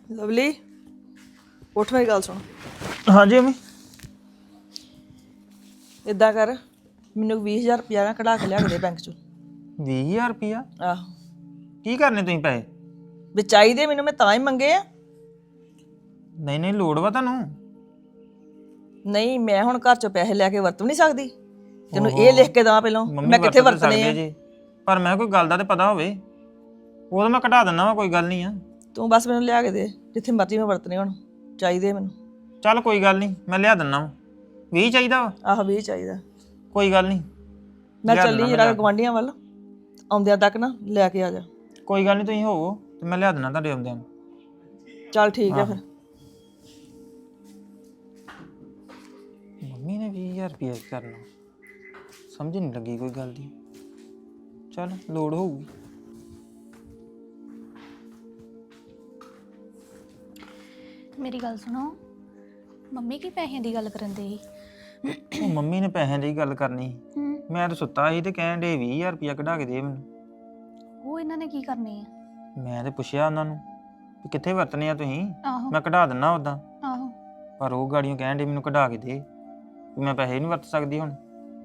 Lovely ਉੱਠ ਮੇਰੀ ਗੱਲ ਸੁਣ। ਹਾਂਜੀ ਅਮੀ। ਇਦਾਂ ਕਰ ਮੈਨੂੰ 20,000 ਰੁਪਇਆ ਨਾ ਕਢਾ ਕੇ ਲਿਆ ਕੇ ਦੇ ਬੈਂਕ ਚੋਂ। 20,000 ਰੁਪਇਆ? ਆਹੋ ਕੀ ਕਰਨੇ ਤੁਸੀਂ ਪੈਸੇ? ਵੀ ਚਾਹੀਦੇ ਮੈਨੂੰ, ਮੈਂ ਤਾਂ ਹੀ ਮੰਗੇ ਆ। ਨਹੀਂ ਨਹੀਂ, ਲੋੜ ਵਾ ਤੁਹਾਨੂੰ? ਨਹੀਂ ਮੈਂ ਹੁਣ ਘਰ ਚੋਂ ਪੈਸੇ ਲੈ ਕੇ ਵਰਤ ਵੀ ਨਹੀਂ ਸਕਦੀ। ਤੈਨੂੰ ਇਹ ਲਿਖ ਕੇ ਦੇਵਾਂ ਪਹਿਲਾਂ ਮੈਂ ਕਿੱਥੇ ਵਰਤਣੇ ਆ। ਜੀ ਪਰ ਮੈਂ ਕੋਈ ਗੱਲ ਦਾ ਤੇ ਪਤਾ ਹੋਵੇ, ਉਹ ਤਾਂ ਮੈਂ ਕਢਾ ਦਿੰਦਾ ਵਾ, ਕੋਈ ਗੱਲ ਨਹੀਂ ਆ। ਤੂੰ ਬਸ ਮੈਨੂੰ ਲਿਆ ਕੇ ਦੇ, ਜਿੱਥੇ ਮਰਜ਼ੀ ਮੈਂ ਵਰਤਣੇ ਹੁਣ ਚਾਹੀਦੇ ਮੈਨੂੰ। ਚੱਲ ਕੋਈ ਗੱਲ ਨਹੀਂ, ਮੈਂ ਲਿਆ ਦਿੰਦਾ ਵਾ। 20 ਚਾਹੀਦਾ ਵਾ? ਆਹ 20 ਚਾਹੀਦਾ। ਕੋਈ ਗੱਲ ਨਹੀਂ, ਮੈਂ ਚੱਲੀ ਜਰਾ ਗਵਾਂਢੀਆਂ ਵੱਲ, ਆਉਂਦਿਆਂ ਤੱਕ ਨਾ ਲੈ ਕੇ ਆ ਜਾ। ਕੋਈ ਗੱਲ ਨਹੀਂ, ਤੁਸੀਂ ਹੋਵੋ ਤੇ ਮੈਂ ਲਿਆ ਦਿੰਦਾ ਤੁਹਾਡੇ ਆਉਂਦਿਆਂ ਨੂੰ। ਚੱਲ ਠੀਕ ਆ ਫਿਰ। ਮੰਮੀ ਨੇ 20,000 ਰੁਪਇਆ ਕਰਨਾ, ਸਮਝ ਨਹੀਂ ਲੱਗੀ ਕੋਈ ਗੱਲ ਦੀ। ਚੱਲ ਲੋੜ ਹੋਊਗੀ। ਮੇਰੀ ਗੱਲ ਸੁਣੋ, ਮੰਮੀ ਕੀ ਪੈਸਿਆਂ ਦੀ ਗੱਲ ਕਰਨ ਦੇ ਸੀ? ਉਹ ਮੰਮੀ ਨੇ ਪੈਸਿਆਂ ਦੀ ਗੱਲ ਕਰਨੀ ਸੀ। ਮੈਂ ਤਾਂ ਸੁੱਤਾ ਸੀ ਤੇ ਕਹਿਣ ਦੇ 20,000 ਰੁਪਇਆ ਕਢਾ ਕੇ ਦੇ ਮੈਨੂੰ। ਉਹ ਇਹਨਾਂ ਨੇ ਕੀ ਕਰਨੇ ਆ? ਮੈਂ ਤੇ ਪੁੱਛਿਆ ਉਹਨਾਂ ਨੂੰ ਵੀ ਕਿੱਥੇ ਵਰਤਨੇ ਆ ਤੁਸੀਂ, ਆਹੋ ਮੈਂ ਕਢਾ ਦਿੰਦਾ ਉਦਾਂ। ਆਹੋ। ਪਰ ਉਹ ਗਾੜੀਆਂ ਕਹਿਣ ਦੇ ਮੈਨੂੰ ਕਢਾ ਕੇ ਦੇ, ਵੀ ਮੈਂ ਪੈਸੇ ਨਹੀਂ ਵਰਤ ਸਕਦੀ ਹੁਣ।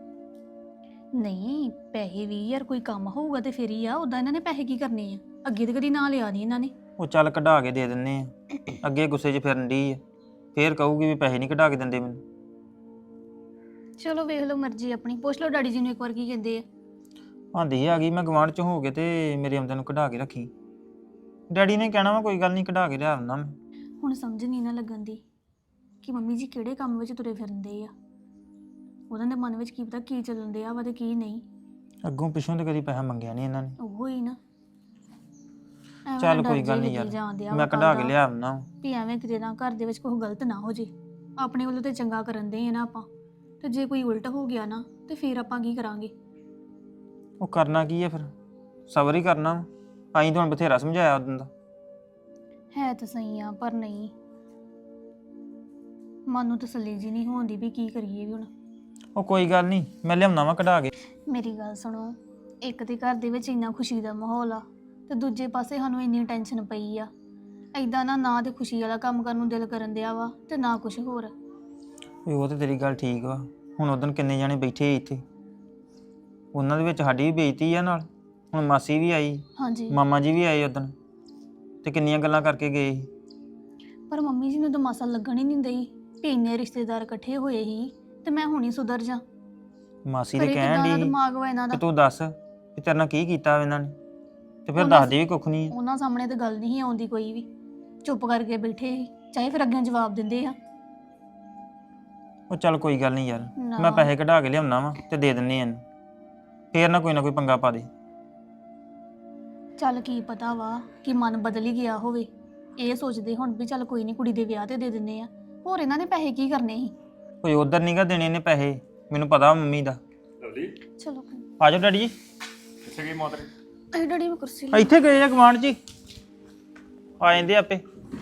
ਨਹੀਂ ਪੈਸੇ 20,000 ਕੋਈ ਕੰਮ ਹੋਊਗਾ ਤੇ ਫਿਰ ਹੀ ਆ, ਉਦਾਂ ਇਹਨਾਂ ਨੇ ਪੈਸੇ ਕੀ ਕਰਨੇ ਆ? ਅੱਗੇ ਤੇ ਕਦੀ ਨਾਂ ਲਿਆ ਨਹੀਂ ਇਹਨਾਂ ਨੇ। ਉਹ ਚੱਲ ਕਢਾ ਕੇ ਦੇ ਦਿੰਨੇ ਆ, ਅੱਗੇ ਗੁੱਸੇ 'ਚ ਫਿਰਨ ਡਈ ਆ, ਫੇਰ ਕਹੂਗੀ ਵੀ ਪੈਸੇ ਨਹੀਂ ਕਢਾ ਕੇ ਦਿੰਦੇ ਮੈਨੂੰ। ਚਲੋ ਵੇਖ ਲਓ ਮਰਜ਼ੀ ਆਪਣੀ, ਪੁੱਛ ਲਓ ਡੈਡੀ ਜੀ ਨੂੰ ਇੱਕ ਵਾਰ ਕੀ ਕਹਿੰਦੇ ਆ। ਆਂਦੀ ਆ ਗਈ ਮੈਂ ਗਵਾਂਢ 'ਚ ਹੋ ਕੇ ਤੇ ਮੇਰੇ ਆਉਂਦਿਆਂ ਨੂੰ ਕਢਾ ਕੇ ਰੱਖੀ। ਡੈਡੀ ਨੇ ਕਹਿਣਾ ਵਾ ਕੋਈ ਗੱਲ ਨਹੀਂ, ਕਢਾ ਕੇ ਲਿਆ ਦਿੰਦਾ ਮੈਂ। ਹੁਣ ਸਮਝ ਨਹੀਂ ਨਾ ਲੱਗਣ ਦੀ ਕਿ ਮੰਮੀ ਜੀ ਕਿਹੜੇ ਕੰਮ ਵਿੱਚ ਤੁਰੇ ਫਿਰਦੇ ਆ। ਉਹਨਾਂ ਦੇ ਮਨ ਵਿੱਚ ਕੀ ਪਤਾ ਕੀ ਚੱਲਣ ਡਿਆ ਵਾ ਤੇ ਕੀ ਨਹੀਂ। ਅੱਗੋਂ ਪਿੱਛੋਂ ਤੇ ਕਦੀ ਪੈਸਾ ਮੰਗਿਆ ਨਹੀਂ ਇਹਨਾਂ ਨੇ। ਉਹੋ ਹੀ ਨਾ। ਐਵੇਂ ਚੱਲ ਡਰ ਕੋਈ ਜਿਹਾ ਗੱਲ ਨਹੀਂ ਲੱਗੀ ਜਾਣ ਡਿਆ ਯਾਰ, ਵਾ ਮੈਂ ਕੱਲ੍ਹ ਕਢਾ ਕੇ ਦਾ। ਲਿਆ ਦਿੰਦਾ। ਵੀ ਐਵੇਂ ਕਿਤੇ ਨਾ ਘਰ ਦੇ ਵਿੱਚ ਕੋਈ ਗਲਤ ਨਾ ਹੋ ਜੇ। ਆਪਣੇ ਵੱਲੋਂ ਤੇ ਚੰਗਾ ਕਰਨ ਦੇ ਆ ਨਾ ਆਪਾਂ, ਤੇ ਜੇ ਕੋਈ ਉਲਟ ਹੋ ਗਿਆ ਨਾ ਤੇ ਫਿਰ ਆਪਾਂ ਕੀ ਕਰਾਂਗੇ? ਉਹ ਕਰਨਾ ਕੀ ਹੈ ਫਿਰ, ਸਬਰ ਹੀ ਕਰਨਾ ਵਾ। ਆਈ ਤਾਂ ਹੁਣ ਬਥੇਰਾ ਸਮਝਾਇਆ ਉਦੋਂ ਦਾ। ਹੈ ਤਾਂ ਸਹੀ ਆ ਪਰ ਨਹੀਂ, ਮਨ ਨੂੰ ਤਸੱਲੀ ਜੀ ਨਹੀਂ ਹੋਣ ਦੀ ਵੀ ਕੀ ਕਰੀਏ ਵੀ ਹੁਣ। ਉਹ ਕੋਈ ਗੱਲ ਨਹੀਂ, ਮੈਂ ਲਿਆਉਣਾ ਵਾ ਕਢਾ ਕੇ। ਮੇਰੀ ਗੱਲ ਸੁਣੋ, ਇੱਕ ਤੇ ਘਰ ਦੇ ਵਿੱਚ ਇੰਨਾ ਖੁਸ਼ੀ ਦਾ ਮਾਹੌਲ ਆ ਤੇ ਦੂਜੇ ਪਾਸੇ ਸਾਨੂੰ ਇੰਨੀ ਟੈਨਸ਼ਨ ਪਈ ਆ। ਐਦਾਂ ਨਾ ਤੇ ਖੁਸ਼ੀ ਵਾਲਾ ਕੰਮ ਕਰਨ ਨੂੰ ਦਿਲ ਕਰਨ ਦਿਆ ਵਾ ਤੇ ਨਾ ਕੁਝ ਹੋਰ। ਉਹ ਤਾਂ ਤੇਰੀ ਗੱਲ ਠੀਕ ਵਾ। ਹੁਣ ਉਦੋਂ ਕਿੰਨੇ ਜਾਣੇ ਬੈਠੇ ਇੱਥੇ, ਉਹਨਾਂ ਦੇ ਵਿੱਚ ਸਾਡੀ ਵੀ ਬੇਇੱਜ਼ਤੀ ਆ ਨਾਲ। ਹੁਣ ਮਾਸੀ ਵੀ ਆਈ, ਹਾਂਜੀ ਮਾਮਾ ਜੀ ਵੀ ਆਏ ਉਦੋਂ, ਤੇ ਕਿੰਨੀਆਂ ਗੱਲਾਂ ਕਰਕੇ ਗਏ ਸੀ। ਪਰ ਮੰਮੀ ਜੀ ਨੂੰ ਤਾਂ ਮਾਸਾ ਲੱਗਣ ਹੀ ਨਹੀਂ ਦਈ ਵੀ ਇੰਨੇ ਰਿਸ਼ਤੇਦਾਰ ਇਕੱਠੇ ਹੋਏ ਸੀ ਤੇ ਮੈਂ ਹੁਣੀ ਸੁਧਰ ਜਾ। ਮਾਸੀ ਦੇ ਕਹਿਣ ਦੀ ਦਿਮਾਗ ਵਾ ਇਹਨਾਂ ਦਾ। ਕਿ ਤੂੰ ਦੱਸ ਵੀ ਤੇਰੇ ਨਾਲ ਕੀ ਕੀਤਾ ਇਹਨਾਂ ਨੇ, ਤੇ ਫਿਰ ਦੱਸਦੇ ਵੀ ਕੁੱਖ ਨਹੀਂ। ਉਹਨਾਂ ਸਾਹਮਣੇ ਤਾਂ ਗੱਲ ਨਹੀਂ ਆਉਂਦੀ ਕੋਈ ਵੀ, ਚੁੱਪ ਕਰਕੇ ਬੈਠੇ ਸੀ, ਚਾਹੇ ਫਿਰ ਅੱਗੇ ਜਵਾਬ ਦਿੰਦੇ ਆ। ਉਹ ਚੱਲ ਕੋਈ ਗੱਲ ਨਹੀਂ ਯਾਰ, ਨਾ। ਮੈਂ ਪੈਸੇ ਕਢਾ ਕੇ ਲਿਆਉਣਾ ਵਾ ਤੇ ਦੇ ਦਿੰਨੇ ਆ ਇਹਨੂੰ, ਫੇਰ ਨਾ ਕੋਈ ਪੰਗਾ ਪਾ ਦੇ। ਚੱਲ ਕੀ ਪਤਾ ਵਾ ਕਿ ਮਨ ਬਦਲ ਹੀ ਗਿਆ ਹੋਵੇ, ਇਹ ਸੋਚਦੇ ਹੁਣ ਵੀ ਚੱਲ ਕੋਈ ਨਹੀਂ ਕੁੜੀ ਦੇ ਵਿਆਹ ਤੇ ਦੇ ਦਿੰਦੇ ਆ। ਹੋਰ ਇਹਨਾਂ ਨੇ ਪੈਸੇ ਕੀ ਕਰਨੇ ਸੀ? ਕੋਈ ਉਧਰ ਨਹੀਂਗਾ ਦੇਣੇ ਨੇ ਪੈਸੇ, ਮੈਨੂੰ ਪਤਾ ਮੰਮੀ ਦਾ। ਚਲੋ ਆ ਜਾਓ ਡੈਡੀ ਜੀ। ਕਿੱਥੇ ਗਈ ਮੋਤਰੇ? ਅਰੇ ਡੈਡੀ ਮੈਂ ਕੁਰਸੀ ਇੱਥੇ ਗਏ ਆ ਗਵਾਂਢ ਜੀ, ਆ ਜਾਂਦੇ ਆਪੇ।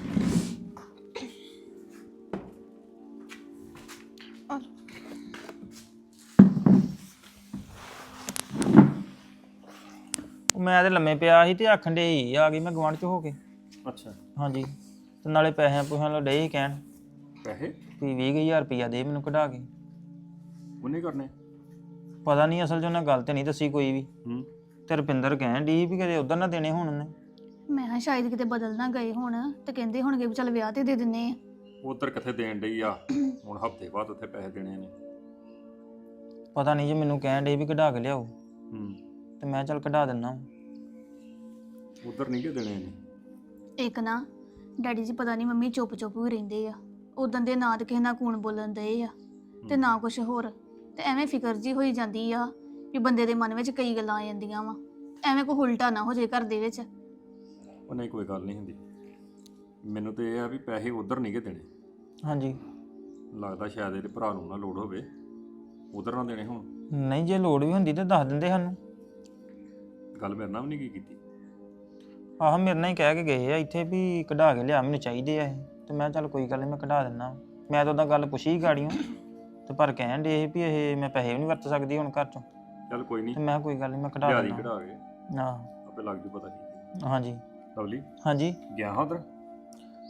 ਮੈਂ ਤੇ ਲੰਮੇ ਪਿਆ ਸੀ ਤੇ ਆਖਣ ਦੇ ਆ ਗਈ ਮੈਂ ਗਵਾਂਢ ਚ ਹੋ ਕੇ। ਅੱਛਾ ਹਾਂਜੀ, ਤੇ ਨਾਲੇ ਪੈਸਿਆਂ ਪੂਸਿਆਂ ਲੋ ਡੇ ਹੀ ਕਹਿਣ ਪੈਸੇ ਵੀ 20,000 ਰੁਪਇਆ ਦੇ ਮੈਨੂੰ ਕਢਾ ਕੇ। ਉਹਨੇ ਕਰਨੇ? ਪਤਾ ਨਹੀਂ, ਅਸਲ 'ਚ ਉਹਨੇ ਗੱਲ ਤੇ ਨਹੀਂ ਦੱਸੀ ਕੋਈ ਵੀ। ਤੇ ਰੁਪਿੰਦਰ ਕਹਿਣ ਡਈ ਵੀ ਕਦੇ ਉਧਰ ਨਾ ਦੇਣੇ ਹੁਣ ਉਹਨੇ। ਮੈਂ ਕਿਹਾ ਸ਼ਾਇਦ ਕਿਤੇ ਬਦਲ ਨਾ ਗਏ ਹੁਣ ਤੇ ਕਹਿੰਦੇ ਹੋਣਗੇ ਵੀ ਚੱਲ ਵਿਆਹ ਤੇ ਦੇ ਦਿੰਨੇ ਆ। ਉਧਰ ਕਿੱਥੇ ਦੇਣ ਡਈ ਆ, ਹੁਣ ਹਫਤੇ ਬਾਅਦ ਉੱਥੇ ਪੈਸੇ ਦੇਣੇ ਨੇ। ਪਤਾ ਨਹੀਂ ਜੀ, ਮੈਨੂੰ ਕਹਿਣ ਡੇ ਵੀ ਕਢਾ ਕੇ ਲਿਆਓ, ਹੂੰ ਤੇ ਮੈਂ ਚੱਲ ਕਢਾ ਦਿੰਦਾ। ਉਧਰ ਨਹੀਂ ਕਿ ਦੇਣੇ ਨੇ। ਇੱਕ ਨਾ ਡੈਡੀ ਜੀ ਪਤਾ ਨਹੀਂ ਮੰਮੀ ਚੁੱਪ ਚੁੱਪ ਵੀ ਰਹਿੰਦੇ ਆ, ਉਦੋਂ ਦੇ ਨਾ ਤੇ ਕਿਸੇ ਨਾਲ ਕੂਣ ਬੋਲਣ ਦਏ ਆ ਤੇ ਨਾ ਕੁਝ ਹੋਰ, ਤੇ ਐਵੇਂ ਫਿਕਰ ਜੀ ਹੋਈ ਜਾਂਦੀ ਆ ਵੀ ਬੰਦੇ ਦੇ ਮਨ ਵਿੱਚ ਕਈ ਗੱਲਾਂ ਆ ਜਾਂਦੀਆਂ ਵਾ, ਐਵੇਂ ਕੋਈ ਉਲਟਾ ਨਾ ਹੋ ਜੇ ਘਰ ਦੇ ਵਿੱਚ। ਉਹ ਨਹੀਂ ਕੋਈ ਗੱਲ ਨਹੀਂ ਹੁੰਦੀ, ਮੈਨੂੰ ਤੇ ਇਹ ਆ ਵੀ ਪੈਸੇ ਉਧਰ ਨਹੀਂ ਕਿ ਦੇਣੇ। ਹਾਂਜੀ, ਲੱਗਦਾ ਸ਼ਾਇਦ ਇਹਦੇ ਭਰਾ ਨੂੰ ਨਾ ਲੋੜ ਹੋਵੇ, ਉਧਰ ਨਾ ਦੇਣੇ ਹੁਣ। ਨਹੀਂ ਜੇ ਲੋੜ ਵੀ ਹੁੰਦੀ ਤਾਂ ਦੱਸ ਦਿੰਦੇ ਸਾਨੂੰ। ਗੱਲ ਮੇਰੇ ਨਾਲ ਵੀ ਨਹੀਂ ਕੀਤੀ। ਆਹ ਮੇਰੇ ਨਾਲ ਹੀ ਕਹਿ ਕੇ ਗਏ ਆ ਇੱਥੇ ਵੀ ਕਢਾ ਕੇ ਲਿਆ, ਮੈਨੂੰ ਚਾਹੀਦੇ ਆ ਇਹ। ਤੇ ਮੈਂ ਚੱਲ ਕੋਈ ਗੱਲ ਨਹੀਂ, ਮੈਂ ਕਢਾ ਦਿੰਦਾ। ਮੈਂ ਤਾਂ ਉਹਦਾ ਗੱਲ ਪੁੱਛੀ ਗਾੜੀਆਂ, ਤੇ ਪਰ ਕਹਿਣ ਦੇ ਵੀ ਇਹ ਮੈਂ ਪੈਸੇ ਵੀ ਨਹੀਂ ਵਰਤ ਸਕਦੀ ਹੁਣ ਘਰ ਚੋਂ। ਚੱਲ ਕੋਈ ਨਹੀਂ, ਤੇ ਮੈਂ ਕੋਈ ਗੱਲ ਨਹੀਂ, ਮੈਂ ਕਢਾ ਲਿਆ ਦੀ ਦਿੰਦਾ। ਕਢਾ ਕੇ ਆਹ ਆਪੇ ਲੱਗ ਜੂ ਪਤਾ ਕੀ। ਹਾਂਜੀ ਲਵਲੀ ਹਾਂਜੀ। ਗਿਆ ਹਾਂ ਉਧਰ?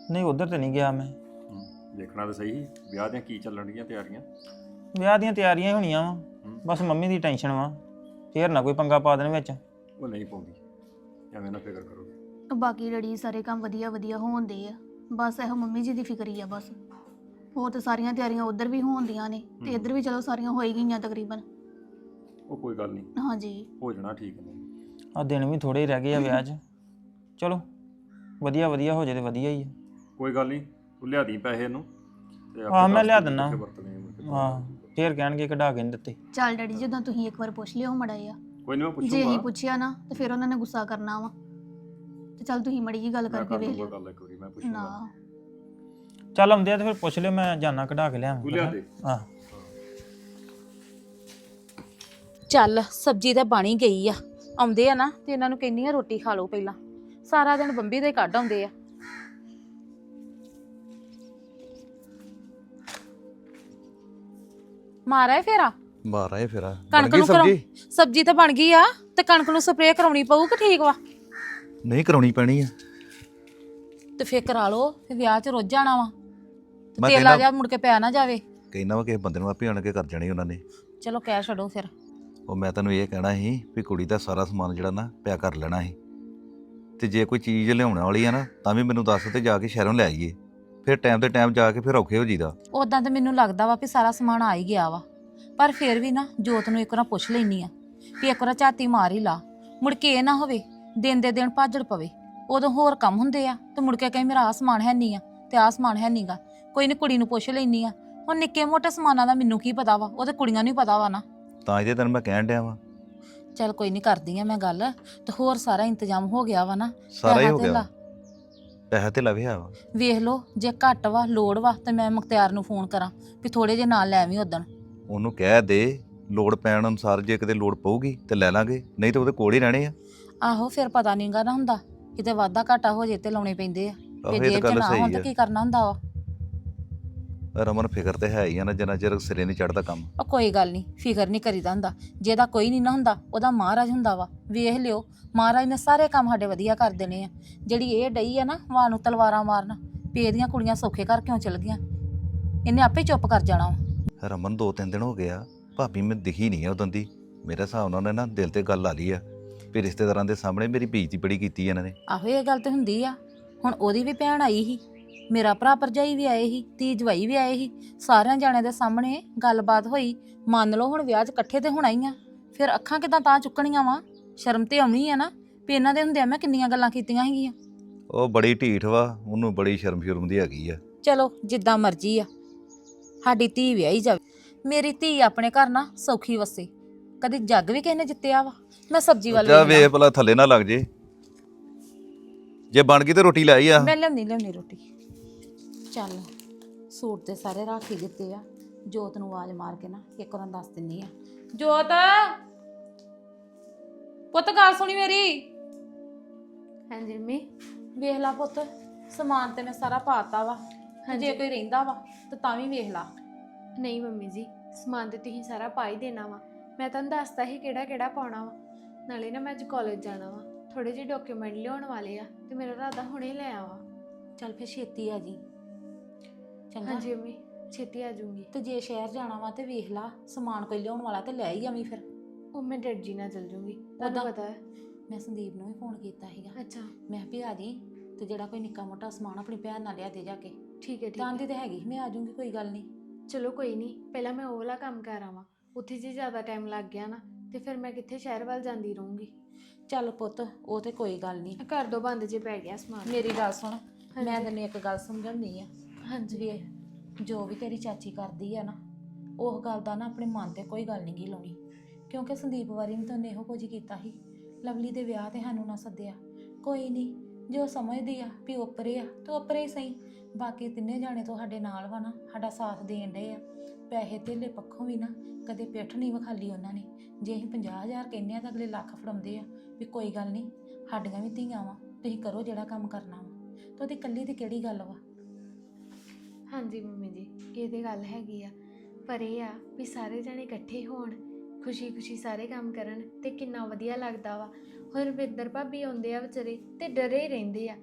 ਨਹੀਂ ਉਧਰ ਤੇ ਨਹੀਂ ਗਿਆ ਮੈਂ। ਦੇਖਣਾ ਤਾਂ ਸਹੀ ਵਿਆਹ ਦੀਆਂ ਕੀ ਚੱਲਣ ਡੀਆਂ ਤਿਆਰੀਆਂ। ਵਿਆਹ ਦੀਆਂ ਤਿਆਰੀਆਂ ਹੀ ਹੋਣੀਆਂ ਵਾ, ਬਸ ਮੰਮੀ ਦੀ ਟੈਨਸ਼ਨ ਵਾ, ਫੇਰ ਨਾ ਕੋਈ ਪੰਗਾ ਪਾ ਦੇਣ ਵਿੱਚ। ਉਹ ਨਹੀਂ ਪਾਉਂਦੀ, ਐਵੇਂ ਨਾ ਫਿਕਰ ਕਰੋ। ਬਾਕੀ ਡੈਡੀ ਸਾਰੇ ਕੰਮ ਵਧੀਆ ਵਧੀਆ ਹੋਣਦੇ ਆ, ਬਸ ਇਹੋ ਮੰਮੀ ਜੀ ਦੀ ਫਿਕਰ ਹੀ ਆ ਬਸ। ਹੋਰ ਤਾਂ ਸਾਰੀਆਂ ਤਿਆਰੀਆਂ ਉਧਰ ਵੀ ਹੋਣਦੀਆਂ ਨੇ ਤੇ ਇੱਧਰ ਵੀ ਚਲੋ ਸਾਰੀਆਂ ਹੋ ਹੀ ਗਈਆਂ ਤਕਰੀਬਨ। ਉਹ ਕੋਈ ਗੱਲ ਨਹੀਂ, ਹਾਂਜੀ ਹੋ ਜਾਣਾ ਠੀਕ ਨੇ। ਆ ਦਿਨ ਵੀ ਥੋੜੇ ਹੀ ਰਹਿ ਗਏ ਆ ਵਿਆਹ 'ਚ, ਚਲੋ ਵਧੀਆ ਵਧੀਆ ਹੋ ਜੇ ਤੇ ਵਧੀਆ ਹੀ ਆ। ਕੋਈ ਗੱਲ ਨਹੀਂ, ਤੂੰ ਲਿਆ ਦੀ ਪੈਸੇ ਇਹਨੂੰ ਤੇ ਹਾਂ, ਮੈਂ ਦੱਸ ਲਿਆ ਦਿਓ ਦਿੰਦਾ। ਕਿੱਥੇ ਵਰਤਣੇ ਆ ਮੁੜ ਕੇ। ਹਾਂ, ਫੇਰ ਕਹਿਣਗੇ ਕਢਾ ਕੇ ਨਹੀਂ ਦਿੱਤੇ। ਚੱਲ ਡੈਡੀ ਜਦੋਂ ਤੁਸੀਂ ਇੱਕ ਵਾਰ ਪੁੱਛ ਲਿਓ ਮੜਾ ਆ, ਕੋਈ ਨਹੀਂ, ਮੈਂ ਜੇ ਅਸੀਂ ਪੁੱਛੂੰਗਾ। ਪੁੱਛਿਆ ਨਾ ਤੇ ਫਿਰ ਉਹਨਾਂ ਨੇ ਗੁੱਸਾ ਕਰਨਾ ਵਾ। ਤੇ ਚੱਲ ਤੁਸੀਂ ਮੜੀ ਜੀ ਗੱਲ ਮੈਂ ਕਰਕੇ ਕਰ ਵੇਖ ਲੂੰਗਾ ਲਿਓ ਗੱਲ ਇੱਕ ਵਾਰੀ, ਮੈਂ ਪੁੱਛੂੰਗਾ। ਨਾ। ਚੱਲ ਆਉਂਦੇ ਆ ਤੇ ਫਿਰ ਪੁੱਛ ਲਿਓ, ਮੈਂ ਜਾਣਾ ਕਢਾ ਕੇ ਲਿਆਵਾਂ। ਤੂੰ ਲਿਆ ਦੇ। ਹਾਂ ਚੱਲ ਸਬਜ਼ੀ ਤਾਂ ਬਣ ਹੀ ਗਈ ਆ। ਆਉਂਦੇ ਆ ਨਾ ਤੇ ਇਹਨਾਂ ਨੂੰ ਕਹਿੰਦੀ ਆ ਰੋਟੀ ਖਾ ਲਓ ਪਹਿਲਾਂ, ਸਾਰਾ ਦਿਨ ਬੰਬੀ ਦੇ ਕੱਢ ਆਉਂਦੇ ਆ। ਮਾਰਾ ਫੇਰਾ ਮਾਰਾ ਇਹ ਫੇਰਾ ਕਣਕ ਨੂੰ ਸਬਜ਼ੀ ਤਾਂ ਬਣ ਗਈ ਆ ਤੇ ਕਣਕ ਨੂੰ ਸਪਰੇਅ ਕਰਾਉਣੀ ਪਊ ਕਿ ਠੀਕ ਵਾ? ਨਹੀਂ ਕਰਾਉਣੀ ਪੈਣੀ ਆ। ਤੇ ਫੇਰ ਕਰਾ ਲਓ, ਫਿਰ ਵਿਆਹ 'ਚ ਰੁੱਝ ਜਾਣਾ ਵਾ ਤੇ ਮੈਂ ਤੇਲ ਆ ਜਾ ਮੁੜ ਕੇ ਪੈ ਨਾ ਜਾਵੇ। ਕਹਿੰਦਾ ਵਾ ਕਿਸੇ ਬੰਦੇ ਨੂੰ ਆਪੇ ਆਣ ਕੇ ਕਰ ਜਾਣੀ ਉਹਨਾਂ ਨੇ। ਚਲੋ ਕਹਿ ਛੱਡੋ ਫਿਰ। ਉਹ ਮੈਂ ਤੈਨੂੰ ਇਹ ਕਹਿਣਾ ਸੀ ਵੀ ਕੁੜੀ ਦਾ ਸਾਰਾ ਸਮਾਨ ਜਿਹੜਾ ਨਾ ਪਿਆ ਕਰ ਲੈਣਾ ਸੀ, ਤੇ ਜੇ ਕੋਈ ਚੀਜ਼ ਲਿਆਉਣ ਵਾਲੀ ਆ ਨਾ ਤਾਂ ਵੀ ਮੈਨੂੰ ਦੱਸ ਤੇ ਜਾ ਕੇ ਸ਼ਹਿਰੋਂ ਲੈ ਆਈਏ। ਫਿਰ ਟਾਈਮ ਤੇ ਟਾਈਮ ਜਾ ਕੇ ਫਿਰ ਔਖੇ ਹੋ ਜੀਦਾ। ਉਦਾਂ ਤਾਂ ਮੈਨੂੰ ਲੱਗਦਾ ਵਾ ਵੀ ਸਾਰਾ ਸਮਾਨ ਆ ਹੀ ਗਿਆ ਵਾ, ਪਰ ਫਿਰ ਵੀ ਨਾ ਜੋਤ ਨੂੰ ਇੱਕ ਵਾਰ ਪੁੱਛ ਲੈਣੀ ਆ ਵੀ ਇੱਕ ਵਾਰ ਝਾਤੀ ਮਾਰ ਹੀ ਲਾ, ਮੁੜ ਕੇ ਇਹ ਨਾ ਹੋਵੇ ਦਿਨ ਦੇ ਦਿਨ ਭਾਜੜ ਪਵੇ। ਉਦੋਂ ਹੋਰ ਕੰਮ ਹੁੰਦੇ ਆ ਤੇ ਮੁੜ ਕੇ ਕਹੀਂ ਮੇਰਾ ਆਹ ਸਮਾਨ ਹੈ ਨਹੀਂ ਆ ਤੇ ਆਹ ਸਮਾਨ ਹੈ ਨਹੀਂਗਾ। ਕੋਈ ਨਹੀਂ ਕੁੜੀ ਨੂੰ ਪੁੱਛ ਲੈਣੀ ਆ। ਹੁਣ ਨਿੱਕੇ ਮੋਟੇ ਸਮਾਨਾਂ ਦਾ ਮੈਨੂੰ ਕੀ ਪਤਾ ਵਾ, ਉਹ ਤੇ ਕੁੜੀਆਂ ਨੂੰ ਹੀ ਪਤਾ ਵਾ ਨਾ। ਤਾਂ ਇਹਦੇ ਤੈਨੂੰ ਮੈਂ ਕਹਿਣ ਡਿਆ ਵਾਂ। ਚੱਲ ਕੋਈ ਨਹੀਂ, ਕਰਦੀ ਆ ਮੈਂ ਗੱਲ। ਤੇ ਹੋਰ ਸਾਰਾ ਇੰਤਜ਼ਾਮ ਹੋ ਗਿਆ ਵਾ ਨਾ? ਸਾਰਾ ਹੀ ਪੈਸਾ ਹੋ ਧੇਲਾ ਗਿਆ, ਪੈਸਾ ਤੇ ਲਵਿਆ ਵਾ। ਵੇਖ ਲਓ, ਜੇ ਘੱਟ ਵਾ ਲੋੜ ਵਾ ਤੇ ਮੈਂ ਮੁਖਤਿਆਰ ਨੂੰ ਫੋਨ ਕਰਾਂ ਵੀ ਥੋੜੇ ਜੇ ਨਾਲ ਲੈ ਆਵੀਂ ਉਦਣ। ਉਹਨੂੰ ਕਹਿ ਦੇ ਲੋੜ ਪੈਣ ਅਨੁਸਾਰ ਜੇ ਕਿਤੇ ਲੋੜ ਪਊਗੀ ਤੇ ਲੈ ਲਾਂਗੇ, ਨਹੀਂ ਤੇ ਉਹਦੇ ਕੋਲ ਹੀ ਰਹਿਣੇ ਆ। ਆਹੋ ਫਿਰ ਪਤਾ ਨਹੀਂਗਾ ਨਾ ਹੁੰਦਾ, ਕਿਤੇ ਵਾਧਾ ਘਾਟਾ ਹੋ ਜੇ ਤੇ ਲਾਉਣੇ ਪੈਂਦੇ ਆ। ਆਹੋ, ਤੇ ਇਹ ਤਾਂ ਜੇਬ 'ਚ ਗੱਲ ਨਾ ਹੋਣ ਸਹੀ ਤਾਂ ਆ। ਕੀ ਕਰਨਾ ਹੁੰਦਾ ਵਾ। ਰਮਨ ਫਿਕਰ ਤੇ ਹੈ ਹੀ ਆ ਨਾ, ਜਿੰਨਾ ਚਿਰ ਸਿਰੇ ਨਹੀਂ ਚੜਦਾ ਕੰਮ। ਉਹ ਕੋਈ ਗੱਲ ਨਹੀਂ, ਫਿਕਰ ਨਹੀਂ ਕਰੀਦਾ ਹੁੰਦਾ। ਜਿਹਦਾ ਕੋਈ ਨਹੀਂ ਨਾ ਹੁੰਦਾ ਉਹਦਾ ਮਹਾਰਾਜ ਹੁੰਦਾ ਵਾ। ਵੇਖ ਲਿਓ, ਮਹਾਰਾਜ ਨੇ ਸਾਰੇ ਕੰਮ ਸਾਡੇ ਵਧੀਆ ਕਰ ਦੇਣੇ ਆ। ਜਿਹੜੀ ਇਹ ਡਈ ਆ ਨਾ ਮਾਂ ਨੂੰ ਤਲਵਾਰਾਂ ਮਾਰਨ ਵੀ ਇਹਦੀਆਂ ਕੁੜੀਆਂ ਸੌਖੇ ਘਰ ਕਿਉਂ ਚਲ ਗਈਆਂ, ਇਹਨੇ ਆਪੇ ਚੁੱਪ ਕਰ ਜਾਣਾ ਵਾ। ਰਮਨ 2-3 ਦਿਨ ਹੋ ਗਏ ਆ, ਭਾਬੀ ਮੈਨੂੰ ਦਿਖੀ ਨਹੀਂ ਆ ਉਦੋਂ ਦੀ। ਮੇਰੇ ਹਿਸਾਬ ਨਾਲ ਉਹਨੇ ਨਾ ਦਿਲ ਤੇ ਗੱਲ ਲਾ ਲਈ ਆ ਵੀ ਰਿਸ਼ਤੇਦਾਰਾਂ ਦੇ ਸਾਹਮਣੇ ਮੇਰੀ ਬੇਇੱਜ਼ਤੀ ਬੜੀ ਕੀਤੀ ਇਹਨਾਂ ਨੇ। ਆਹੋ ਇਹ ਗੱਲ ਤੇ ਹੁੰਦੀ ਆ। ਹੁਣ ਉਹਦੀ ਵੀ ਭੈਣ ਆਈ ਸੀ, ਮੇਰਾ ਭਰਾ ਭਰਜਾਈ ਵੀ ਆਏ ਸੀ, ਧੀ ਜਵਾਈ ਵੀ ਆਏ ਸੀ। ਸਾਰਿਆਂ ਜਾਣਿਆਂ ਦੇ ਸਾਹਮਣੇ ਗੱਲਬਾਤ ਹੋਈ। ਮੰਨ ਲਓ ਹੁਣ ਵਿਆਹ 'ਚ ਇਕੱਠੇ ਤੇ ਹੋਣਾ ਹੀ ਆ, ਫਿਰ ਅੱਖਾਂ ਕਿਦਾਂ ਤਾਂ ਚੁੱਕਣੀਆਂ ਵਾ? ਸ਼ਰਮ ਤੇ ਆਉਣੀ ਆ ਨਾ ਵੀ ਇਹਨਾਂ ਦੇ ਹੁੰਦਿਆਂ ਮੈਂ ਕਿੰਨੀਆਂ ਗੱਲਾਂ ਕੀਤੀਆਂ ਹੈਗੀਆਂ। ਉਹ ਬੜੀ ਢੀਠ ਵਾ, ਉਹਨੂੰ ਬੜੀ ਸ਼ਰਮ ਦੀ ਹੈਗੀ ਆ। ਚਲੋ ਜਿੱਦਾਂ ਮਰਜ਼ੀ ਆ, ਸਾਡੀ ਧੀ ਵਿਆਹੀ ਜਾਵੇ। ਮੇਰੀ ਧੀ ਆਪਣੇ ਘਰ ਨਾ ਸੌਖੀ ਵਸੇ। ਕਦੀ ਜੱਗ ਵੀ ਕਿਸੇ ਨੇ ਜਿੱਤਿਆ ਵਾ? ਮੈਂ ਸਬਜ਼ੀ ਵੱਲ ਜਾ ਵੇਖ ਵੇ ਭਲਾ ਥੱਲੇ ਨਾ ਲੱਗ ਜੇ ਬਣ ਗਈ ਤੇ ਰੋਟੀ ਲੈ ਆਈ ਆ। ਮੈਂ ਲਿਆਉਣੀ ਰੋਟੀ। ਚੱਲ ਸੂਟ ਤੇ ਸਾਰੇ ਰੱਖ ਹੀ ਦਿੱਤੇ ਆ। ਜੋਤ ਨੂੰ ਆਵਾਜ਼ ਮਾਰ ਕੇ ਨਾ ਇੱਕ ਵਾਰ ਦੱਸ ਦਿੰਨੀ ਆ। ਜੋਤ ਪੁੱਤ ਗੱਲ ਸੁਣੀ ਮੇਰੀ। ਹਾਂਜੀ ਮੰਮੀ। ਵੇਖ ਲਾ ਪੁੱਤ, ਸਮਾਨ ਤੇ ਮੈਂ ਸਾਰਾ ਪਾਤਾ ਵਾ। ਜੇ ਕੋਈ ਰਹਿੰਦਾ ਵਾ ਤਾਂ ਤਾਂ ਵੀ ਵੇਖ ਲਾ। ਨਹੀਂ ਮੰਮੀ ਜੀ, ਸਮਾਨ ਤੇ ਤੁਸੀਂ ਸਾਰਾ ਪਾ ਹੀ ਦੇਣਾ ਵਾ। ਮੈਂ ਤੁਹਾਨੂੰ ਦੱਸਤਾ ਸੀ ਕਿਹੜਾ ਕਿਹੜਾ ਪਾਉਣਾ ਵਾ। ਨਾਲੇ ਨਾ ਮੈਂ ਅੱਜ ਕਾਲਜ ਜਾਣਾ ਵਾ, ਥੋੜੇ ਜਿਹੇ ਡਾਕੂਮੈਂਟ ਲਿਆਉਣ ਵਾਲੇ ਆ ਤੇ ਮੇਰਾ ਇਰਾਦਾ ਹੁਣੇ ਲੈ ਆਵਾਂ। ਚੱਲ ਫਿਰ ਛੇਤੀ ਆ ਜੀ। ਚੰਗਾ। ਹਾਂਜੀ ਮੰਮੀ, ਛੇਤੀ ਆ ਜਾਊਂਗੀ। ਤੇ ਜੇ ਸ਼ਹਿਰ ਜਾਣਾ ਵਾ ਤੇ ਵੇਖ ਲਾ ਸਮਾਨ ਕੋਈ ਲਿਆਉਣ ਵਾਲਾ ਤੇ ਲੈ ਹੀ ਆਵੀਂ ਫਿਰ। ਉਹ ਮੈਂ ਡੈਡ ਜੀ ਨਾਲ ਚੱਲ ਜਾਊਂਗੀ, ਤੁਹਾਨੂੰ ਉੱਦਾਂ- ਪਤਾ ਹੈ। ਮੈਂ ਸੰਦੀਪ ਨੂੰ ਵੀ ਫੋਨ ਕੀਤਾ ਸੀਗਾ। ਅੱਛਾ ਮੈਂ ਵੀ ਆ ਜੀ ਤੇ ਜਿਹੜਾ ਕੋਈ ਨਿੱਕਾ ਮੋਟਾ ਸਮਾਨ ਆਪਣੀ ਭੈਣ ਨਾਲ ਲਿਆ ਦੇ ਜਾ ਕੇ। ਠੀਕ ਹੈ ਠੀਕ ਤਾਂ ਦੀ ਹੈ। ਤੇ ਹੈਗੀ, ਮੈਂ ਆ ਜਾਊਂਗੀ, ਕੋਈ ਗੱਲ ਨਹੀਂ। ਚਲੋ ਕੋਈ ਨਹੀਂ, ਪਹਿਲਾਂ ਮੈਂ ਉਹ ਵਾਲਾ ਕੰਮ ਕਰ ਆਵਾਂ। ਉੱਥੇ ਜੇ ਜ਼ਿਆਦਾ ਟਾਈਮ ਲੱਗ ਗਿਆ ਨਾ ਤੇ ਫਿਰ ਮੈਂ ਕਿੱਥੇ ਸ਼ਹਿਰ ਵੱਲ ਜਾਂਦੀ ਰਹੂੰਗੀ। ਚੱਲ ਪੁੱਤ ਉਹ ਤੇ ਕੋਈ ਗੱਲ ਨਹੀਂ। ਘਰ ਦੋ ਬੰਦ ਜੇ ਪੈ ਗਿਆ ਸਮਾਨ। ਮੇਰੀ ਗੱਲ ਸੁਣ, ਮੈਂ ਤੈਨੂੰ ਇੱਕ ਗੱਲ ਸਮਝਾਉਣੀ ਆ। ਹਾਂਜੀ ਵੀ ਜੋ ਵੀ ਤੇਰੀ ਚਾਚੀ ਕਰਦੀ ਆ ਨਾ, ਉਹ ਗੱਲ ਦਾ ਨਾ ਆਪਣੇ ਮਨ ਤੇ ਕੋਈ ਗੱਲ ਨਹੀਂ ਗੀ ਲਾਉਣੀ। ਕਿਉਂਕਿ ਸੰਦੀਪ ਵਾਰੀ ਵੀ ਤਾਂ ਉਹਨੇ ਇਹੋ ਕੁਝ ਕੀਤਾ ਸੀ। ਲਵਲੀ ਦੇ ਵਿਆਹ ਤੇ ਸਾਨੂੰ ਨਾ ਸੱਦਿਆ। ਕੋਈ ਨਹੀਂ, ਜੋ ਸਮਝਦੀ ਆ ਵੀ ਓਪਰੇ ਆ ਤਾਂ ਓਪਰੇ ਹੀ ਸਹੀ। ਬਾਕੀ ਤਿੰਨੇ ਜਾਣੇ ਤੁਹਾਡੇ ਨਾਲ ਵਾ ਨਾ, ਸਾਡਾ ਸਾਥ ਦੇਣ ਡਏ ਆ। ਪੈਸੇ ਧੇਲੇ ਪੱਖੋਂ ਵੀ ਨਾ ਕਦੇ ਪਿੱਠ ਨਹੀਂ ਵਿਖਾਲੀ ਉਹਨਾਂ ਨੇ। ਜੇ ਅਸੀਂ 50,000 ਕਹਿੰਦੇ ਆ ਤਾਂ ਅਗਲੇ ਲੱਖ ਫੜਾਉਂਦੇ ਆ ਵੀ ਕੋਈ ਗੱਲ ਨਹੀਂ, ਸਾਡੀਆਂ ਵੀ ਧੀਆਂ ਵਾ, ਤੁਸੀਂ ਕਰੋ ਜਿਹੜਾ ਕੰਮ ਕਰਨਾ ਵਾ। ਤਾਂ ਉਹਦੀ ਇਕੱਲੀ ਦੀ ਕਿਹੜੀ ਗੱਲ ਵਾ? ਹਾਂਜੀ ਮੰਮੀ ਜੀ, ਇਹ ਤੇ ਗੱਲ ਹੈਗੀ ਆ, ਪਰ ਇਹ ਆ ਵੀ ਸਾਰੇ ਜਣੇ ਇਕੱਠੇ ਹੋਣ, ਖੁਸ਼ੀ-ਖੁਸ਼ੀ ਸਾਰੇ ਕੰਮ ਕਰਨ ਤੇ ਕਿੰਨਾ ਵਧੀਆ ਲੱਗਦਾ ਵਾ। ਹੁਣ ਰਵਿੰਦਰ ਭਾਬੀ ਆਉਂਦੇ ਆ ਵਿਚਾਰੇ ਤੇ ਡਰੇ ਹੀ ਰਹਿੰਦੇ ਆ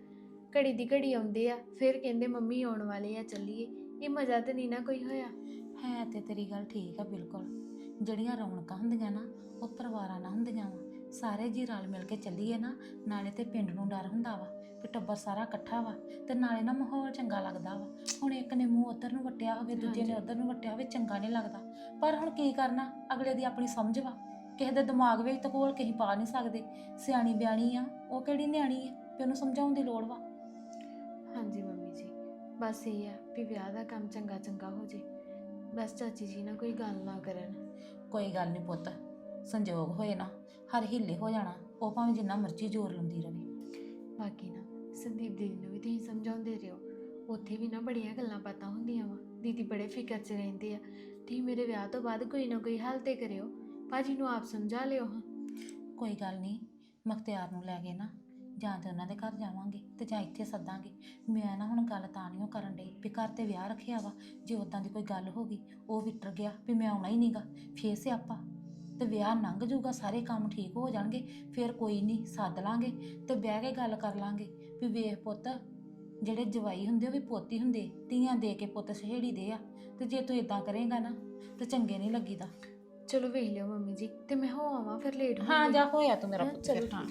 ਘੜੀ ਦੀ ਘੜੀ ਆਉਂਦੇ ਆ ਫਿਰ ਕਹਿੰਦੇ ਮੰਮੀ ਆਉਣ ਵਾਲੇ ਆ ਚੱਲੀਏ। ਇਹ ਮਜ਼ਾ ਤੇ ਨਹੀਂ ਨਾ ਕੋਈ ਹੋਇਆ। ਹੈ ਤੇ ਤੇਰੀ ਗੱਲ ਠੀਕ ਆ ਬਿਲਕੁਲ। ਜਿਹੜੀਆਂ ਰੌਣਕਾਂ ਹੁੰਦੀਆਂ ਨਾ ਉਹ ਪਰਿਵਾਰਾਂ ਨਾਲ ਹੁੰਦੀਆਂ ਵਾ। ਸਾਰੇ ਜੀ ਰਲ ਮਿਲ ਕੇ ਚੱਲੀਏ ਨਾ, ਨਾਲੇ ਤੇ ਪਿੰਡ ਨੂੰ ਡਰ ਹੁੰਦਾ ਵਾ ਕਿ ਟੱਬਰ ਸਾਰਾ ਇਕੱਠਾ ਵਾ, ਤੇ ਨਾਲੇ ਨਾ ਮਾਹੌਲ ਚੰਗਾ ਲੱਗਦਾ ਵਾ। ਹੁਣ ਇੱਕ ਨੇ ਮੂੰਹ ਉੱਧਰ ਨੂੰ ਵੱਟਿਆ ਹੋਵੇ, ਦੂਜੇ ਨੇ ਉੱਧਰ ਨੂੰ ਵੱਟਿਆ ਹੋਵੇ, ਚੰਗਾ ਨਹੀਂ ਲੱਗਦਾ। ਪਰ ਹੁਣ ਕੀ ਕਰਨਾ, ਅਗਲੇ ਦੀ ਆਪਣੀ ਸਮਝ ਵਾ। ਕਿਸੇ ਦੇ ਦਿਮਾਗ ਵਿੱਚ ਤਾਂ ਕੋਲ ਕਹੀਂ ਪਾ ਨਹੀਂ ਸਕਦੇ। ਸਿਆਣੀ ਬਿਆਣੀ ਆ, ਉਹ ਕਿਹੜੀ ਨਿਆਣੀ ਆ ਵੀ ਉਹਨੂੰ ਸਮਝਾਉਣ ਦੀ ਲੋੜ ਵਾ। ਹਾਂਜੀ ਮੰਮੀ ਜੀ, ਬਸ ਇਹ ਆ ਵੀ ਵਿਆਹ ਦਾ ਕੰਮ ਚੰਗਾ ਚੰਗਾ ਹੋ ਜੇ। ਬਸ ਚਾਚੀ ਜੀ ਨਾ ਕੋਈ ਗੱਲ ਨਾ ਕਰਨ। ਕੋਈ ਗੱਲ ਨਹੀਂ ਪੁੱਤ, ਸੰਜੋਗ ਹੋਏ ਨਾ ਹਰ ਹਿੱਲੇ ਹੋ ਜਾਣਾ। ਉਹ ਭਾਵੇਂ ਜਿੰਨਾ ਮਰਜ਼ੀ ਜ਼ੋਰ ਲਾਉਂਦੀ ਰਵੇ। ਬਾਕੀ ਨਾ ਸੰਦੀਪ ਦੀਦੀ ਨੂੰ ਵੀ ਤੁਸੀਂ ਸਮਝਾਉਂਦੇ ਰਹੋ। ਉੱਥੇ ਵੀ ਨਾ ਬੜੀਆਂ ਗੱਲਾਂ ਬਾਤਾਂ ਹੁੰਦੀਆਂ ਵਾ। ਦੀਦੀ ਬੜੇ ਫਿਕਰ 'ਚ ਰਹਿੰਦੇ ਆ। ਤੁਸੀਂ ਮੇਰੇ ਵਿਆਹ ਤੋਂ ਬਾਅਦ ਕੋਈ ਨਾ ਕੋਈ ਹੱਲ ਤੇ ਕਰਿਓ। ਭਾਜੀ ਨੂੰ ਆਪ ਸਮਝਾ ਲਿਓ। ਹਾਂ ਕੋਈ ਗੱਲ ਨਹੀਂ, ਮੁਖਤਿਆਰ ਨੂੰ ਲੈ ਕੇ ਨਾ ਜਾਂ ਤੇ ਉਹਨਾਂ ਦੇ ਘਰ ਜਾਵਾਂਗੇ ਤੇ ਜਾਂ ਇੱਥੇ ਸੱਦਾਂਗੇ। ਮੈਂ ਨਾ ਹੁਣ ਗੱਲ ਤਾਂ ਨਹੀਂ ਉਹ ਕਰਨ ਡਈ ਵੀ ਘਰ ਤੇ ਵਿਆਹ ਰੱਖਿਆ ਵਾ। ਜੇ ਉੱਦਾਂ ਦੀ ਕੋਈ ਗੱਲ ਹੋ ਗਈ, ਉਹ ਵਿਟਰ ਗਿਆ ਵੀ ਮੈਂ ਆਉਣਾ ਹੀ ਨਹੀਂਗਾ, ਫੇਰ ਸਿਆਪਾ। ਤੇ ਵਿਆਹ ਲੰਘ ਜਾਊਗਾ, ਸਾਰੇ ਕੰਮ ਠੀਕ ਹੋ ਜਾਣਗੇ, ਫਿਰ ਕੋਈ ਨਹੀਂ ਸੱਦ ਲਾਂਗੇ ਤੇ ਬਹਿ ਕੇ ਗੱਲ ਕਰ ਲਾਂਗੇ ਵੀ ਵੇਖ ਪੁੱਤ, ਜਿਹੜੇ ਜਵਾਈ ਹੁੰਦੇ ਉਹ ਵੀ ਪੋਤੀ ਹੁੰਦੇ। ਧੀਆਂ ਦੇ ਕੇ ਪੁੱਤ ਸਹੇੜੀ ਦੇ ਆ, ਤੇ ਜੇ ਤੂੰ ਇਦਾਂ ਕਰੇਂਗਾ ਨਾ ਤੇ ਚੰਗੇ ਨਹੀਂ ਲੱਗੀਦਾ। ਚਲੋ ਵੇਖ ਲਿਓ ਮੰਮੀ ਜੀ, ਤੇ ਮੈਂ ਹੋ ਆਵਾਂ ਫਿਰ ਲੇਟ ਹਾਂ ਜਾ ਹੋਇਆ ਤੂੰ ਮੇਰਾ ਹਾਂ, ਪੁੱਤ। ਚਲੋ ਫਿਰ ਹਾਂ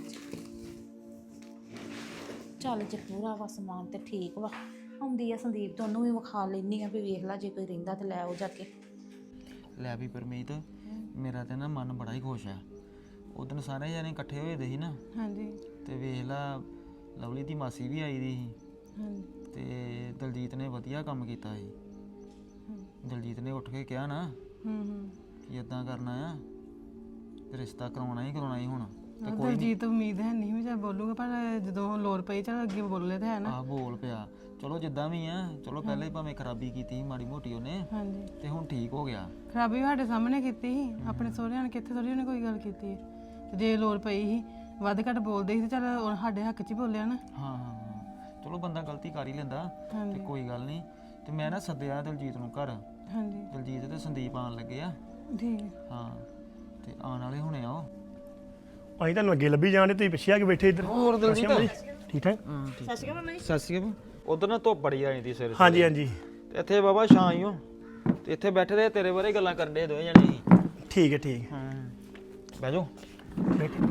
ਚੱਲ ਜੇ ਪੂਰਾ ਵਾ ਸਮਾਨ ਤੇ ਠੀਕ ਵਾ। ਆਉਂਦੀ ਆ ਸੰਦੀਪ, ਤੋਂ ਉਹਨੂੰ ਵੀ ਵਿਖਾ ਲੈਣੀ ਆ ਵੀ ਵੇਖ ਲੈ, ਜੇ ਕੋਈ ਰਹਿੰਦਾ ਤੇ ਲੈ ਆਓ ਜਾ ਕੇ। ਲੈ ਵੀ ਪਰਮੀਤ, ਮੇਰਾ ਤੇ ਨਾ ਮਨ ਬੜਾ ਹੀ ਖੁਸ਼ ਹੈ। ਉਦੋਂ ਸਾਰੇ ਜਾਣੇ ਇਕੱਠੇ ਹੋਏ ਦੇ ਸੀ ਨਾ। ਹਾਂਜੀ ਤੇ ਵੇਖ ਲਾ, ਲਵਲੀ ਦੀ ਮਾਸੀ ਵੀ ਆਈ ਦੀ ਸੀ ਹਾਂਜੀ ਤੇ ਦਲਜੀਤ ਨੇ ਵਧੀਆ ਕੰਮ ਕੀਤਾ ਸੀ। ਦਲਜੀਤ ਨੇ ਉੱਠ ਕੇ ਕਿਹਾ ਨਾ ਕਿ ਇਦਾਂ ਕਰਨਾ ਆ, ਤੇ ਰਿਸ਼ਤਾ ਕਰਾਉਣਾ ਹੀ ਹੁਣ। ਤੇ ਕੋਈ ਦਲਜੀਤ ਉਮੀਦ ਹੈ ਨਹੀਂ ਵੀ ਚੱਲ ਬੋਲੂਗਾ, ਪਰ ਜਦੋਂ ਲੋੜ ਪਈ ਚੱਲ ਅੱਗੇ ਬੋਲੇ ਤਾਂ ਹੈ ਨਾ। ਆ ਬੋਲ ਪਿਆ। ਚਲੋ ਜਿੱਦਾਂ ਵੀ ਆ, ਚਲੋ ਪਹਿਲੇ ਭਾਵੇਂ ਖਰਾਬੀ ਕੀਤੀ ਸੀ ਮਾੜੀ ਮੋਟੀ ਉਹਨੇ, ਹਾਂਜੀ ਤੇ ਹੁਣ ਠੀਕ ਹੋ ਗਿਆ। ਖਰਾਬੀ ਸਾਡੇ ਸਾਹਮਣੇ ਕੀਤੀ ਸੀ, ਆਪਣੇ ਸਹੁਰਿਆਂ ਨੇ ਕਿੱਥੇ ਥੋੜੀ ਉਹਨੇ ਕੋਈ ਗੱਲ ਕੀਤੀ ਹੈ। ਤੇ ਜੇ ਲੋੜ ਪਈ ਸੀ, ਵੱਧ ਘੱਟ ਬੋਲਦੇ ਸੀ ਤੇ ਚੱਲ ਉਹ ਸਾਡੇ ਹੱਕ 'ਚ ਹੀ ਬੋਲਿਆ ਨਾ। ਹਾਂ ਹਾਂ ਹਾਂ, ਚਲੋ ਬੰਦਾ ਗਲਤੀ ਕਰ ਹੀ ਲੈਂਦਾ, ਤੇ ਹਾਂਜੀ ਕੋਈ ਗੱਲ ਨਹੀਂ। ਤੇ ਮੈਂ ਨਾ ਸੱਦਿਆ ਦਲਜੀਤ ਨੂੰ ਘਰ। ਹਾਂਜੀ ਦਲਜੀਤ ਤੇ ਸੰਦੀਪ ਆਉਣ ਲੱਗੇ ਆ। ਠੀਕ ਹੈ। ਹਾਂ, ਤੇ ਆਉਣ ਵਾਲੇ ਹੋਣੇ ਆ ਉਹ। ਅਸੀਂ ਤੁਹਾਨੂੰ ਅੱਗੇ ਲੱਭੀ ਜਾਣੇ, ਤੁਸੀਂ ਪਿੱਛੇ ਆ ਕੇ ਬੈਠੇ ਇੱਧਰ। ਹੋਰ ਦਲਜੀਤ ਠੀਕ ਠਾਕ? ਸਤਿ ਸ਼੍ਰੀ ਅਕਾਲ ਮੰਮੀ। ਸਤਿ ਸ਼੍ਰੀ ਅਕਾਲ। ਉਧਰ ਨਾ ਧੁੱਪ ਬੜੀ ਆਈ ਦੀ ਸਿਰ। ਹਾਂਜੀ ਹਾਂਜੀ ਤੇ ਇੱਥੇ ਬਾਬਾ ਛਾਂ ਹੀ ਹੋ, ਤੇ ਇੱਥੇ ਬੈਠੇ ਦੇ ਤੇਰੇ ਬਾਰੇ ਗੱਲਾਂ ਕਰਨ ਦੇ ਦੋਵੇਂ ਜਣੇ ਸੀ। ਠੀਕ ਹੈ ਠੀਕ ਹੈ। ਹਾਂ, ਬਹਿ ਜਾਓ। ਬੈਠੇ।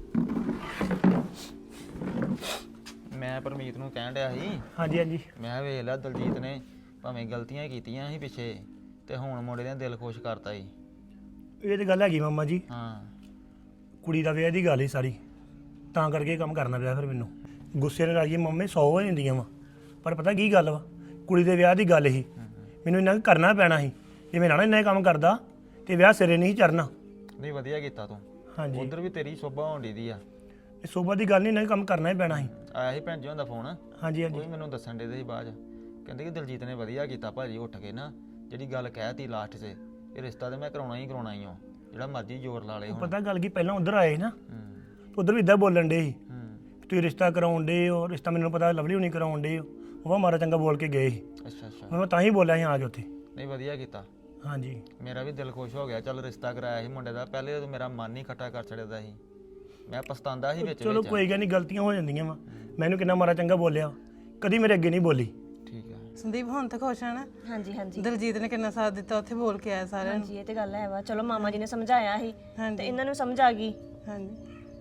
ਮੈਂ ਪਰਮੀਤ ਨੂੰ ਕਹਿਣ ਡਿਆ ਸੀ, ਹਾਂਜੀ ਹਾਂਜੀ ਮੈਂ ਵੇਖ ਲਿਆ ਦਲਜੀਤ ਨੇ ਭਾਵੇਂ ਗਲਤੀਆਂ ਕੀਤੀਆਂ ਸੀ ਪਿੱਛੇ, ਤੇ ਹੁਣ ਮੁੰਡੇ ਨੇ ਦਿਲ ਖੁਸ਼ ਕਰਤਾ ਸੀ। ਇਹ ਤੇ ਗੱਲ ਹੈਗੀ ਮਾਮਾ ਜੀ, ਹਾਂ, ਕੁੜੀ ਦਾ ਵਿਆਹ ਦੀ ਗੱਲ ਹੀ ਸਾਰੀ, ਤਾਂ ਕਰਕੇ ਇਹ ਕੰਮ ਕਰਨਾ ਪਿਆ ਫਿਰ ਮੈਨੂੰ। ਗੁੱਸੇ ਨਾਲ ਆਈਏ ਮੰਮੀ 100 ਹੋ ਜਾਂਦੀਆਂ ਵਾ, ਪਰ ਪਤਾ ਕੀ ਗੱਲ ਵਾ, ਕੁੜੀ ਦੇ ਵਿਆਹ ਦੀ ਗੱਲ ਹੀ ਮੈਨੂੰ ਇੰਨਾ ਕਰਨਾ ਪੈਣਾ ਸੀ। ਜੇ ਮੈਂ ਨਾ ਇੰਨਾ ਕੰਮ ਕਰਦਾ ਤੇ ਵਿਆਹ ਸਿਰੇ ਨਹੀਂ ਚੜਨਾ। ਨਹੀਂ ਵਧੀਆ ਕੀਤਾ ਤੂੰ। ਹਾਂਜੀ ਉਧਰ ਵੀ ਤੇਰੀ ਸੋਭਾ ਹੋਣੀ ਦੀ ਆ। ਇਹ ਸੋਭਾ ਦੀ ਗੱਲ ਨਹੀਂ, ਇੰਨਾ ਕੰਮ ਕਰਨਾ ਹੀ ਪੈਣਾ ਸੀ। ਆਇਆ ਸੀ ਭੈਣ ਜੀ ਦਾ ਫੋਨ, ਹਾਂਜੀ ਉਹ ਹਾਂਜੀ ਵੀ ਮੈਨੂੰ ਦੱਸਣ ਦੇ ਸੀ ਬਾਅਦ 'ਚ। ਕਹਿੰਦੇ ਕਿ ਦਲਜੀਤ ਨੇ ਵਧੀਆ ਕੀਤਾ ਭਾਜੀ ਉੱਠ ਕੇ ਨਾ, ਜਿਹੜੀ ਗੱਲ ਕਹਿਤੀ ਲਾਸਟ 'ਚ, ਇਹ ਰਿਸ਼ਤਾ ਤੇ ਮੈਂ ਕਰਾਉਣਾ ਹੀ ਹਾਂ, ਜਿਹੜਾ ਮਰਜ਼ੀ ਜ਼ੋਰ ਲਾ ਲੇ ਹੁਣ। ਪਤਾ ਗੱਲ ਕੀ, ਪਹਿਲਾਂ ਉਧਰ ਆਏ ਸੀ ਨਾ, ਹੂੰ ਉਧਰ ਵੀ ਇਦਾਂ ਬੋਲਣ ਡੇ ਸੀ, ਹੂੰ, ਤੁਸੀਂ ਰਿਸ਼ਤਾ ਕਰਾਉਣ ਡੇ ਹੋ। ਰਿਸ਼ਤਾ ਮੈਨੂੰ ਪਤਾ ਲਵਲੀ ਹੁਣੀ ਕਰਾਉਣ ਡੇ ਹੋ, ਉਹ ਮਾਰਾ ਚੰਗਾ ਬੋਲ ਕੇ ਗਏ ਸੀ। ਅੱਛਾ ਅੱਛਾ। ਮੈਂ ਤਾਂ ਹੀ ਬੋਲਿਆ ਸੀ ਆ ਕੇ ਉੱਥੇ। ਨਹੀਂ ਵਧੀਆ ਕੀਤਾ। ਹਾਂਜੀ ਮੇਰਾ ਵੀ ਦਿਲ ਖੁਸ਼ ਹੋ ਗਿਆ। ਚੱਲ ਰਿਸ਼ਤਾ ਕਰਾਇਆ ਸੀ ਮੁੰਡੇ ਦਾ, ਪਹਿਲੇ ਤਾਂ ਮੇਰਾ ਮਨ ਹੀ ਖੱਟਾ ਕਰ ਛੱਡਦਾ ਸੀ, ਮੈਂ ਪਛਤਾਉਂਦਾ ਸੀ ਵਿੱਚ ਚਲੋ ਵਿੱਚ। ਕੋਈ ਗੱਲ ਨਹੀਂ, ਗਲਤੀਆਂ ਹੋ ਜਾਂਦੀਆਂ ਵਾ। ਮੈਨੂੰ ਕਿੰਨਾ ਮਾਰਾ ਚੰਗਾ ਬੋਲਿਆ, ਕਦੀ ਮੇਰੇ ਅੱਗੇ ਨਹੀਂ ਬੋਲੀ। ਠੀਕ ਆ। ਸੰਦੀਪ ਹੁਣ ਤਾਂ ਖੁਸ਼ ਹੈ ਨਾ? ਹਾਂਜੀ ਹਾਂਜੀ ਦਲਜੀਤ ਨੇ ਕਿੰਨਾ ਸਾਥ ਦਿੱਤਾ, ਉੱਥੇ ਬੋਲ ਕੇ ਆਇਆ ਸਾਰਿਆਂ ਨੂੰ। ਹਾਂਜੀ, ਇਹ ਤੇ ਗੱਲ ਹੈ ਵਾ। ਚਲੋ ਮਾਮਾ ਜੀ ਨੇ ਸਮਝਾਇਆ ਸੀ ਤੇ ਹਾਂਜੀ ਇਹਨਾਂ ਨੂੰ ਸਮਝ ਆ ਗਈ। ਹਾਂਜੀ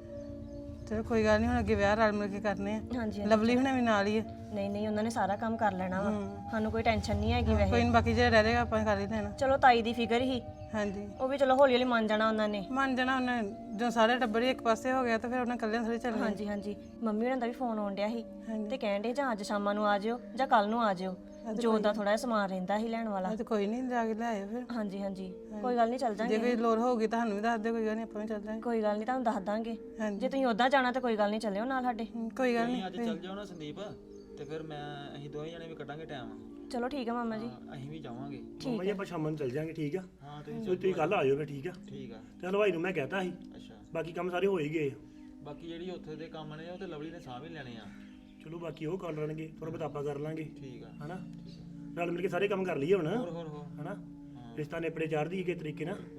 ਚਲੋ ਕੋਈ ਗੱਲ ਨਹੀਂ, ਹੁਣ ਅੱਗੇ ਵਿਆਹ ਰਲ ਮਿਲ ਕੇ ਕਰਨੇ ਆ। ਹਾਂਜੀ ਲਵਲੀ ਹੁਣੇ ਵੀ ਨਾਲ ਹੀ ਆ। ਨਹੀਂ ਨਹੀਂ, ਉਹਨਾਂ ਨੇ ਸਾਰਾ ਕੰਮ ਕਰ ਲੈਣਾ ਵਾ, ਸਾਨੂੰ ਕੋਈ ਟੈਨਸ਼ਨ ਨਹੀਂ ਹੈਗੀ ਵੈਸੇ। ਕੋਈ ਨੀ, ਬਾਕੀ ਜਿਹੜਾ ਰਹਿ ਜਾਏਗਾ ਆਪਾਂ ਕਰ ਹੀ ਲੈਣਾ। ਚਲੋ ਤਾਈ ਦੀ ਫਿਕਰ ਹੀ, ਹਾਂਜੀ ਉਹ ਵੀ ਚਲੋ ਹੌਲੀ ਹੌਲੀ ਮੰਨ ਜਾਣਾ ਉਹਨਾਂ ਨੇ। ਮੰਨ ਜਾਣਾ ਉਹਨੇ, ਜਦੋਂ ਸਾਰੇ ਟੱਬਰ ਹੀ ਇੱਕ ਪਾਸੇ ਹੋ ਗਿਆ ਤਾਂ ਫਿਰ ਉਹਨਾਂ ਇਕੱਲਿਆਂ ਥੋੜੀ ਚੱਲਣਾ। ਹਾਂਜੀ ਹਾਂਜੀ, ਮੰਮੀ ਉਹਨਾਂ ਦਾ ਵੀ ਫੋਨ ਆਉਣ ਡਿਆ ਸੀ ਹਾਂਜੀ। ਤੇ ਕਹਿਣ ਡੇ ਜਾਂ ਅੱਜ ਸ਼ਾਮਾਂ ਨੂੰ ਆ ਜਿਓ ਜਾਂ ਕੱਲ ਨੂੰ ਆ ਜਿਓ। ਜੋ ਦਾ ਥੋੜਾ ਜਿਹਾ ਸਮਾਨ ਰਹਿੰਦਾ ਸੀ ਲੈਣ ਵਾਲਾ। ਇਹ ਤਾਂ ਕੋਈ ਨਹੀਂ, ਜਾ ਕੇ ਲੈ ਆਇਓ ਫਿਰ। ਹਾਂਜੀ ਹਾਂਜੀ, ਕੋਈ ਗੱਲ ਨਹੀਂ, ਚੱਲ ਜੇ ਜਾਾਂਗੇ। ਕੋਈ ਲੋੜ ਹੋਊਗੀ ਤੁਹਾਨੂੰ ਵੀ ਦੱਸ ਦਿਓ, ਕੋਈ ਗੱਲ ਨਹੀਂ, ਆਪਾਂ ਵੀ ਚੱਲ ਜਾਵਾਂਗੇ। ਕੋਈ ਗੱਲ ਨਹੀਂ, ਤੁਹਾਨੂੰ ਦੱਸ ਦਾਂਗੇ। ਹਾਂਜੀ ਜੇ ਤੁਸੀਂ ਉਦਾਂ ਜਾਣਾ ਤਾਂ ਕੋਈ ਗੱਲ ਨਹੀਂ, ਚੱਲਿਓ ਨਾਲ ਸਾਡੇ। ਕੋਈ ਗੱਲ ਨਹੀਂ। ਅੱਜ ਚੱਲ ਜਾਓ ਨਾ ਸੰਦੀਪ, ਤੇ ਫਿਰ ਅਸੀਂ ਦੋਵੇਂ ਜਣੇ ਵੀ ਕੱਢਾਂਗੇ ਟਾਈਮ। ਚਲੋ ਠੀਕ ਆ ਮਾਮਾ ਜੀ। ਅਸੀਂ ਵੀ ਜਾਵਾਂਗੇ। ਮੰਮਾ ਜੀ ਆਪਾਂ ਸ਼ਾਮਾਂ ਨੂੰ ਚੱਲ ਜਾਾਂਗੇ, ਠੀਕ ਆ? ਹਾਂ ਤੁਸੀਂ ਤੁਸੀਂ ਕੱਲ ਆ ਜਾਓ ਫਿਰ, ਠੀਕ ਆ? ਠੀਕ ਆ। ਤੇ ਹਲਵਾਈ ਨੂੰ ਮੈਂ ਕਹਿਤਾ ਸੀ, ਅੱਛਾ, ਬਾਕੀ ਕੰਮ ਸਾਰੇ ਹੋ ਹੀ ਗਏ ਆ। ਬਾਕੀ ਜਿਹੜੀ ਉੱਥੇ ਦੇ ਕੰਮ ਨੇ ਉਹ ਤੇ ਲਵਲੀ ਨੇ ਸਾਂਭ ਹੀ ਲੈਣੇ ਆ। ਚਲੋ ਬਾਕੀ ਉਹ ਕਰ ਲੈਣਗੇ, ਥੋੜਾ ਬਹੁਤ ਆਪਾਂ ਕਰ ਲਾਂਗੇ, ਠੀਕ ਆ। ਹਨਾ? ਰਲ ਮਿਲ ਕੇ ਸਾਰੇ ਕੰਮ ਕਰ ਲਈਏ ਹੁਣ, ਹੋਰ ਹੋਰ ਹੋਰ। ਹਨਾ? ਰਿਸ਼ਤਾ ਨੇਪੜੇ ਚਾੜਦੀ ਕਿਸੇ ਤਰੀਕੇ ਨਾਲ।